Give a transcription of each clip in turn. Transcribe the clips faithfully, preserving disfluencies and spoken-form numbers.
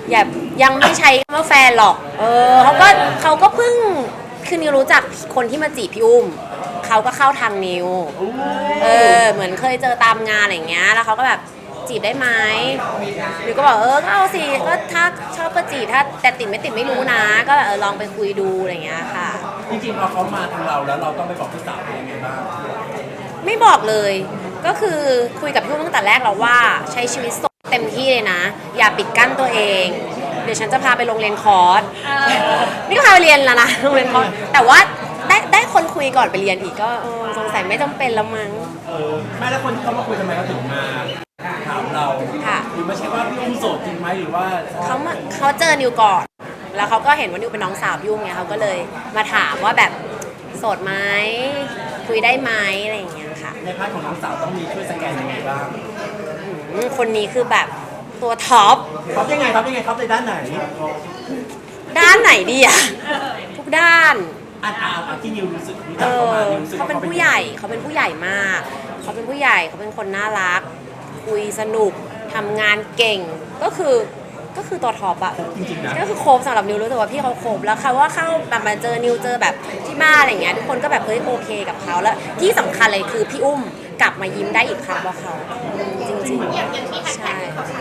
อย่ายังไม่ใช้คำว่าแฟนหรอกเออเขาก็เขาก็เพิ่งคือนิวรู้จักคนที่มาจีบพี่อุ้มเขาก็เข้าทางนิวเออเหมือนเคยเจอตามงานอะไรอย่างเงี้ยแล้วเขาก็แบบจีบได้ไหมนิวก็บอกเออก็เอาสิก็ถ้าชอบก็จีบถ้าแต่ติดไม่ติดไม่รู้นะก็แบบเออลองไปคุยดูอะไรอย่างเงี้ยค่ะจริงๆพอเขามาทางเราแล้วเราต้องไปบอกพี่สาวเป็นยังไงบ้างไม่บอกเลยก็คือคุยกับพี่อุ้มตั้งแต่แรกแล้วว่าใช้ชีวิตสดเต็มที่เลยนะอย่าปิดกั้นตัวเองเดี๋ยวฉันจะพาไปโรงเรียนคอร์สนี่ก็พาไปเรียนแล้วนะโรงเรียนคอร์สแต่ว่าได้ได้คนคุยก่อนไปเรียนอีกก็สงสัยไม่จำเป็นแล้วมั้งเออไม่แล้วคนที่เขามาคุยทำไมเขาถึงมาถามเราค่ะหรือไม่ใช่ว่าพี่อุ้มโสดจริงไหมหรือว่าเขามาเขาเจอนิวก่อนแล้วเขาก็เห็นว่านิวเป็นน้องสาวพี่อุ้มไงเขาก็เลยมาถามว่าแบบโสดไหมคุยได้ไหมอะไรอย่างเงี้ยค่ะในพาร์ทของน้องสาวต้องมีช่วยสแกนยังไงบ้างคนนี้คือแบบตัวท็อปท็อปยังไงท็อปยังไงท็อปในด้านไหนด้านไหนดีอะทุกด้านอ่านอ่านที่นิวรู้สึกรู้จักเขามาเขาเป็นผู้ใหญ่เขาเป็นผู้ใหญ่มากเขาเป็นผู้ใหญ่เขาเป็นคนน่ารักคุยสนุกทำงานเก่งก็คือก็คือตัวท็อปอะจริงๆนะก็คือโคบสำหรับนิวรู้สึกว่าพี่เขาโคบแล้วเขาว่าเข้าแบบมาเจอนิวเจอแบบที่บ้านอะไรเงี้ยทุกคนก็แบบเฮ้ยโอเคกับเขาแล้วที่สำคัญเลยคือพี่อุ้มกลับมายิ้มได้อีกครั้งเพราะเขาจริงๆใช่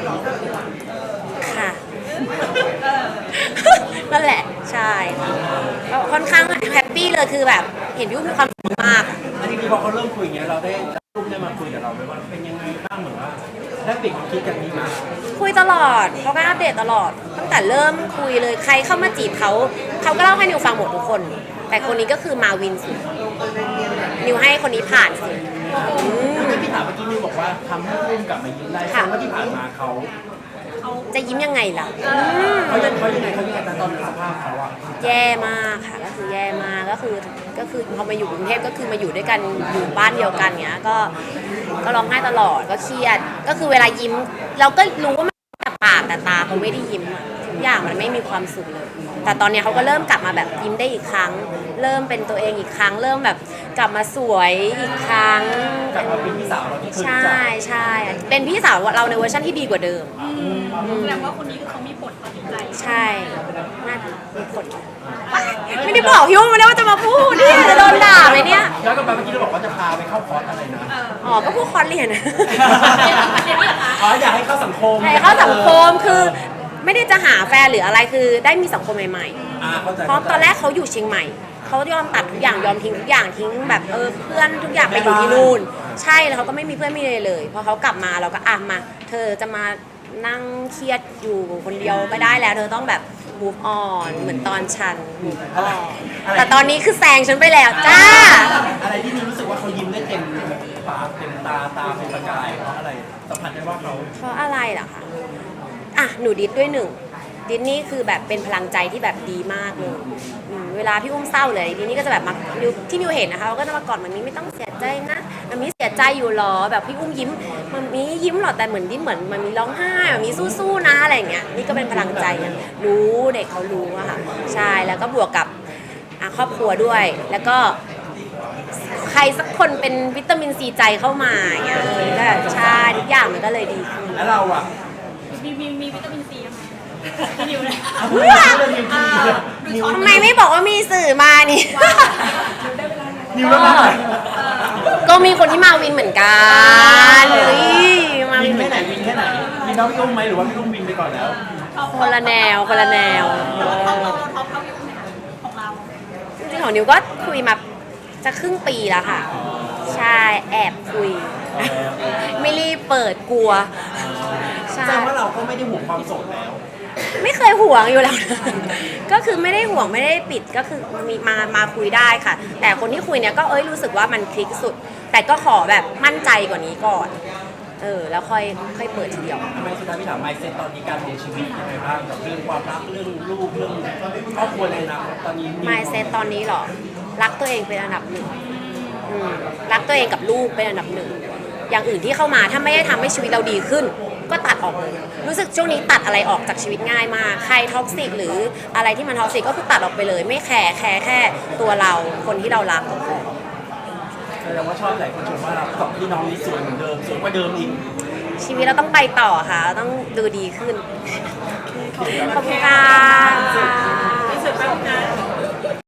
ค่ะนั่นแหละใช่ก็ค่อนข้างแฮปปี้เลยคือแบบเห็นพี่อุ้มมีความสุขมากอันนี้พอเขาเริ่มคุยอย่างเงี้ยเราได้อุ้มได้มาคุยกับเราไหมว่าเป็นยังไงบ้างเหมือนว่าได้เปลี่ยนความคิดกันนี้มาคุยตลอดเขาก็อัปเดตตลอดตั้งแต่เริ่มคุยเลยใครเข้ามาจีบเขาเขาก็เล่าให้นิวฟังหมดทุกคนแต่คนนี้ก็คือมาวินสุดนิวให้คนนี้ผ่านสุดพี่ถามเมื่อกี้นิวบอกว่าทำให้อุ้มกลับมายิ้มได้แสดงว่าที่ผ่านมาเขาจะยิ้มยังไงล่ะเขายังเขายังไงเขายังไงแต่ตอนสภาพเขาอะแย่มากค่ะก็คือแย่มากก็คือก็คือพอมาอยู่กรุงเทพก็คือมาอยู่ด้วยกันอยู่บ้านเดียวกันเงี้ยก็ก็ร้องไห้ตลอดก็เครียดก็คือเวลายิ้มเราก็รู้ว่าแต่ปากแต่ตาเขาไม่ได้ยิ้มทุกอย่างมันไม่มีความสุขเลยแต่ตอนนี้เขาก็เริ่มกลับมาแบบยิ้มได้อีกครั้งเริ่มเป็นตัวเองอีกครั้งเริ่มแบบกลับมาสวยอีกครั้งกลับมาเป็นพี่สาวเราที่เคยใช่ใช่เป็นพี่สาวเราในเวอร์ชันที่ดีกว่าเดิมแสดงว่าคนนี้คือเขามีผลต่อจิตใจใช่น่ามีผลไม่ได้บอกพี่อุ้มไม่ได้ว่าจะมาพูดเนี่ยจะโดนด่าไหมเนี่ยย้อนกลับไปเมื่อกี้เราบอกว่าจะพาไปเข้าคอร์สอะไรนะอ๋อก็พวกคอร์สเรียนอ๋ออยากให้เข้าสังคมให้เข้าสังคมคือไม่ได้จะหาแฟนหรืออะไรคือได้มีสังคมใหม่ๆเพราะตอนแรกเขาอยู่เชียงใหม่เขายอมตัดทุกอย่างยอมทิ้งทุกอย่างทิ้งแบบเออเพื่อนทุกอย่างไปอยู่ที่นู่นใช่แล้วเขาก็ไม่มีเพื่อนไม่เลยเลยพอเขากลับมาเราก็อ่ะมาเธอจะมานั่งเครียดอยู่คนเดียวไม่ได้แล้วเธอต้องแบบ move on เหมือนตอนฉัน move on แต่ตอนนี้คือแซงฉันไปแล้วจ้าอะไรที่รู้สึกว่าเขายิ้มได้เต็มปากเต็มตาตาเป็นประกายเพราะอะไรสัมผัสได้ว่าเขาเพราะอะไรล่ะคะอ่ะหนูดิสด้วยหนึ่งดิสนี่คือแบบเป็นพลังใจที่แบบดีมากเลยเวลาพี่อุ้มเศร้าเลยดิสนี่ก็จะแบบมาที่นิวเห็นนะคะเขาก็จะมากอดมันนี้ไม่ต้องเสียใจนะมันมีเสียใจอยู่หรอแบบพี่อุ้มยิ้มมันมียิ้มหรอแต่เหมือนดิสเหมือนมันมีร้องไห้มันมีสู้ๆนะอะไรอย่างเงี้ยนี่ก็เป็นพลังใจรู้เด็กเขารู้อะค่ะใช่แล้วก็บวกกับครอบครัวด้วยแล้วก็ใครสักคนเป็นวิตามินซีใจเข้ามาอย่างเงี้ยก็ใช่ทุกอย่างมันก็เลยดีขึ้นแล้วเราอะมีมีมีวิตามินซีไหมนิวเลยทำไมไม่บอกว่ามีสื่อมานี่นิวแล้วนะก็มีคนที่มาวินเหมือนกันมาวินแค่ไหนวินแค่ไหนวินน้องพี่อุ้มไหมหรือว่าพี่อุ้มวินไปก่อนแล้วคนละแนวคนละแนวจริงๆของนิวก็คุยมาจะครึ่งปีแล้วค่ะใช่แอบคุยไม่รีบเปิดกลัวแสดงว่าเราก็ไม่ได้ห่วงความโสดแล้วไม่เคยห่วงอยู่แล้วนะก็คือไม่ได้ห่วงไม่ได้ปิดก็คือมีมามาคุยได้ค่ะแต่คนที่คุยเนี่ยก็เอ้ยรู้สึกว่ามันคลิกสุดแต่ก็ขอแบบมั่นใจกว่านี้ก่อนเออแล้วค่อยค่อยเปิดทีเดียวทำไมสุดท้ายพี่ถามไมซ์เซ็ตตอนนี้การมองชีวิตยังไงบ้างกับเรื่องความรักเรื่องลูกเรื่องครอบครัวในอนาคตตอนนี้ไมซ์เซ็ตตอนนี้หรอรักตัวเองเป็นอันดับหนึ่งรักตัวเองกับลูกเป็นอันดับหนึ่งอย่างอื่นที่เข้ามาถ้าไม่ได้ทำให้ชีวิตเราดีขึ้นก็ตัดออกเลยรู้สึกช่วงนี้ตัดอะไรออกจากชีวิตง่ายมากใครท็อกซิกหรืออะไรที่มันท็อกซิกก็คือตัดออกไปเลยไม่แคร์แคร์แค่ตัวเราคนที่เรารักแสดงว่าชอบหลายคนชมว่าเราสองพี่น้องนี่สวยเหมือนเดิมสวยกว่าเดิมอีกชีวิตเราต้องไปต่อค่ะต้องดูดีขึ้นขอบคุณค่ะ